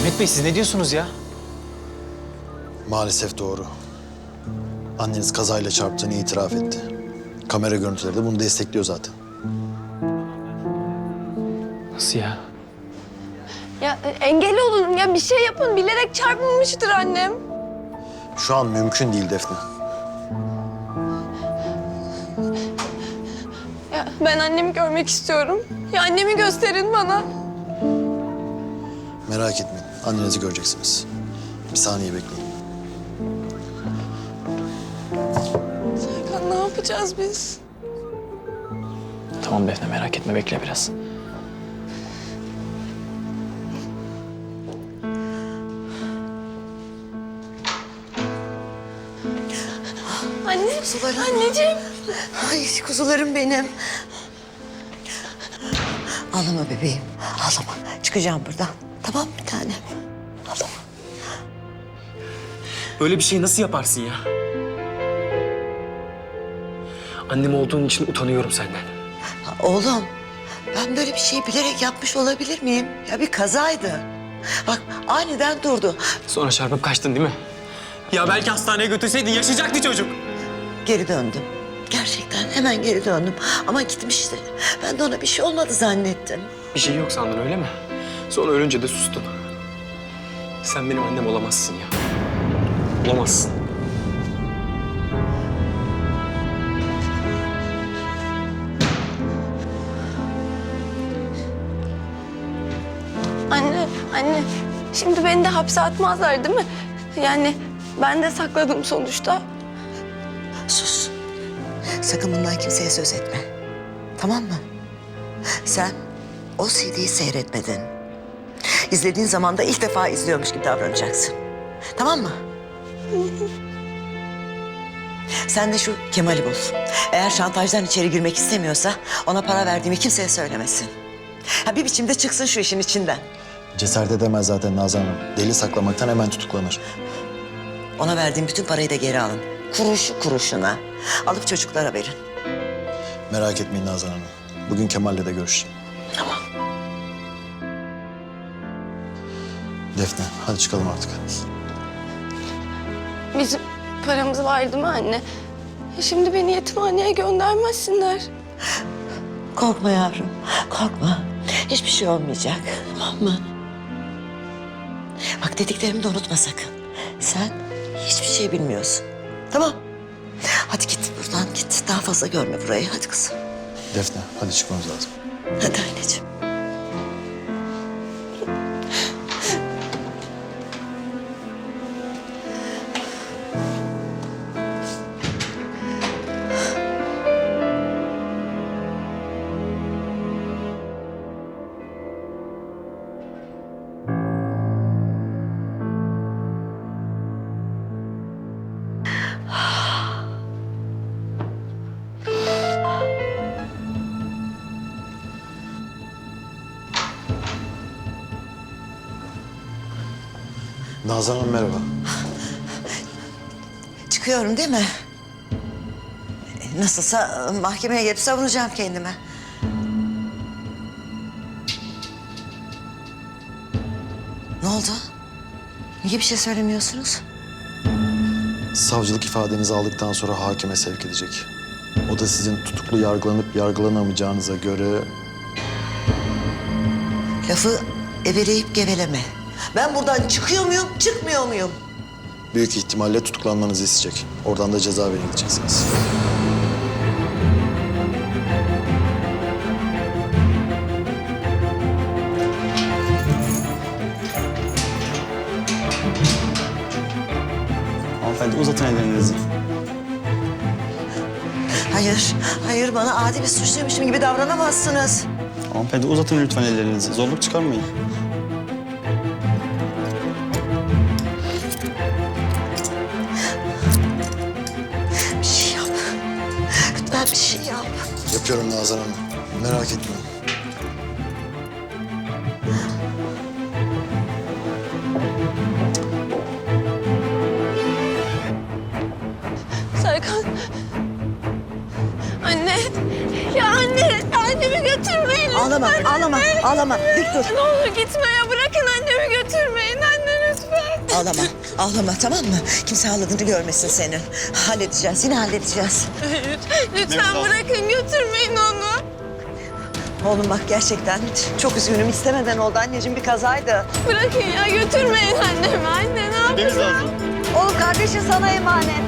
Mehmet Bey siz ne diyorsunuz ya? Maalesef doğru. Anneniz kazayla çarptığını itiraf etti. Kamera görüntüleri de bunu destekliyor zaten. Nasıl ya? Ya engel olun ya bir şey yapın. Bilerek çarpmamıştır annem. Şu an mümkün değil Defne. Ya ben annemi görmek istiyorum. Ya annemi gösterin bana. Merak etmeyin. Annenizi göreceksiniz. Bir saniye bekleyin. Serkan ne yapacağız biz? Tamam Defne merak etme bekle biraz. Anne, anneciğim. Ay kuzularım benim. Ağlama bebeğim, ağlama. Çıkacağım buradan. Tamam bir tanem. Ağlama. Böyle bir şeyi nasıl yaparsın ya? Annem olduğun için utanıyorum senden. Ha, oğlum, ben böyle bir şeyi bilerek yapmış olabilir miyim? Ya bir kazaydı. Bak aniden durdu. Sonra çarpıp kaçtın değil mi? Ya belki hastaneye götürseydin yaşayacaktı çocuk. Geri döndüm. Gerçekten hemen geri döndüm. Ama gitmişti. Ben de ona bir şey olmadı zannettim. Bir şey yok sandın öyle mi? Sonra ölünce de sustun. Sen benim annem olamazsın ya. Olamazsın. Anne. Şimdi beni de hapse atmazlar değil mi? Yani ben de sakladım sonuçta. Sus. Sakın bundan kimseye söz etme. Tamam mı? Sen o CD'yi seyretmedin. İzlediğin zaman da ilk defa izliyormuş gibi davranacaksın. Tamam mı? Sen de şu Kemal'i bul. Eğer şantajdan içeri girmek istemiyorsa ona para verdiğimi kimseye söylemesin. Ha, bir biçimde çıksın şu işin içinden. Cesaret edemez zaten Nazan Hanım. Deli saklamaktan hemen tutuklanır. Ona verdiğim bütün parayı da geri alın. Kuruşu kuruşuna. Alıp çocuklara verin. Merak etmeyin Nazan Hanım. Bugün Kemal'le de görüşeceğim. Tamam. Defne, hadi çıkalım artık. Bizim paramız var değil mi anne? Şimdi beni yetimhaneye göndermezsinler. Korkma yavrum, korkma. Hiçbir şey olmayacak, tamam mı? Bak dediklerimi de unutma sakın. Sen hiçbir şey bilmiyorsun, tamam? Hadi git buradan git. Daha fazla görme burayı. Hadi kızım. Defne, hadi çıkmamız lazım. Hadi anneciğim. Nazan Hanım merhaba. Çıkıyorum değil mi? Nasılsa mahkemeye gelip savunacağım kendimi. Ne oldu? Niye bir şey söylemiyorsunuz? Savcılık ifadenizi aldıktan sonra hakime sevk edecek. O da sizin tutuklu yargılanıp yargılanamayacağınıza göre... Lafı eveleyip geveleme. Ben buradan çıkıyor muyum, çıkmıyor muyum? Büyük ihtimalle tutuklanmanızı isteyecek. Oradan da cezaevine gideceksiniz. Hanımefendi uzatın ellerinizi. Hayır, hayır bana adi bir suçluymuşum gibi davranamazsınız. Hanımefendi uzatın lütfen ellerinizi. Zorluk çıkarmayın. Bir şey yap. Lütfen bir şey yap. Yapıyorum Nazan Hanım. Merak etmeyin. Serkan. Anne. Ya anne. Annemi götürmeyin lütfen. Ağlama, ağlama, ağlama. Dik dur. Ne olur gitme ya. Bırakın annemi götürmeyin. Ağlama, ağlama tamam mı? Kimse ağladığını görmesin senin. Halledeceğiz, yine halledeceğiz. Lütfen bırakın, götürmeyin onu. Oğlum bak gerçekten çok üzgünüm. İstemeden oldu anneciğim, bir kazaydı. Bırakın ya, götürmeyin annemi. Anne ne Deniz yapacağım? lazım. Oğlum kardeşin sana emanet.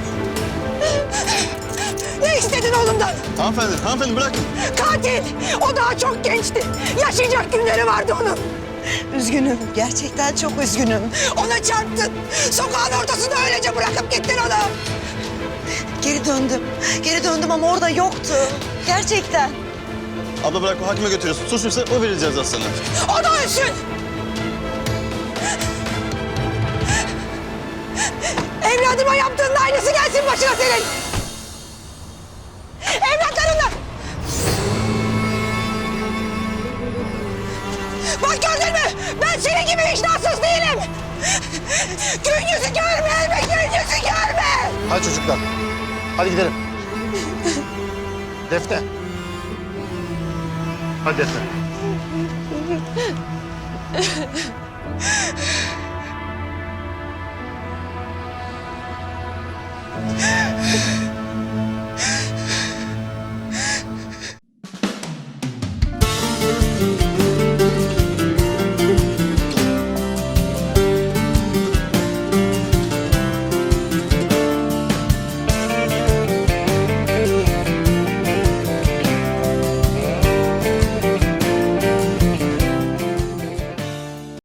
Ne istedin oğlumdan? Hanımefendi bırakın. Katil! O daha çok gençti. Yaşayacak günleri vardı onun. Üzgünüm, gerçekten çok üzgünüm. Ona çarptın. Sokağın ortasında öylece bırakıp gittin onu. Geri döndüm ama orada yoktu. Gerçekten. Abla bırak, o hakime götürüyorsun. Suçluysa o vereceğiz aslında. O da ölsün. Evladıma yaptığının aynısı gelsin başına senin. Evlatlarından. Bak gördün mü? Ben senin gibi vicdansız değilim. Gün yüzü görme, gün yüzü görme. Hadi çocuklar. Hadi gidelim. Defne. Hadi Defne.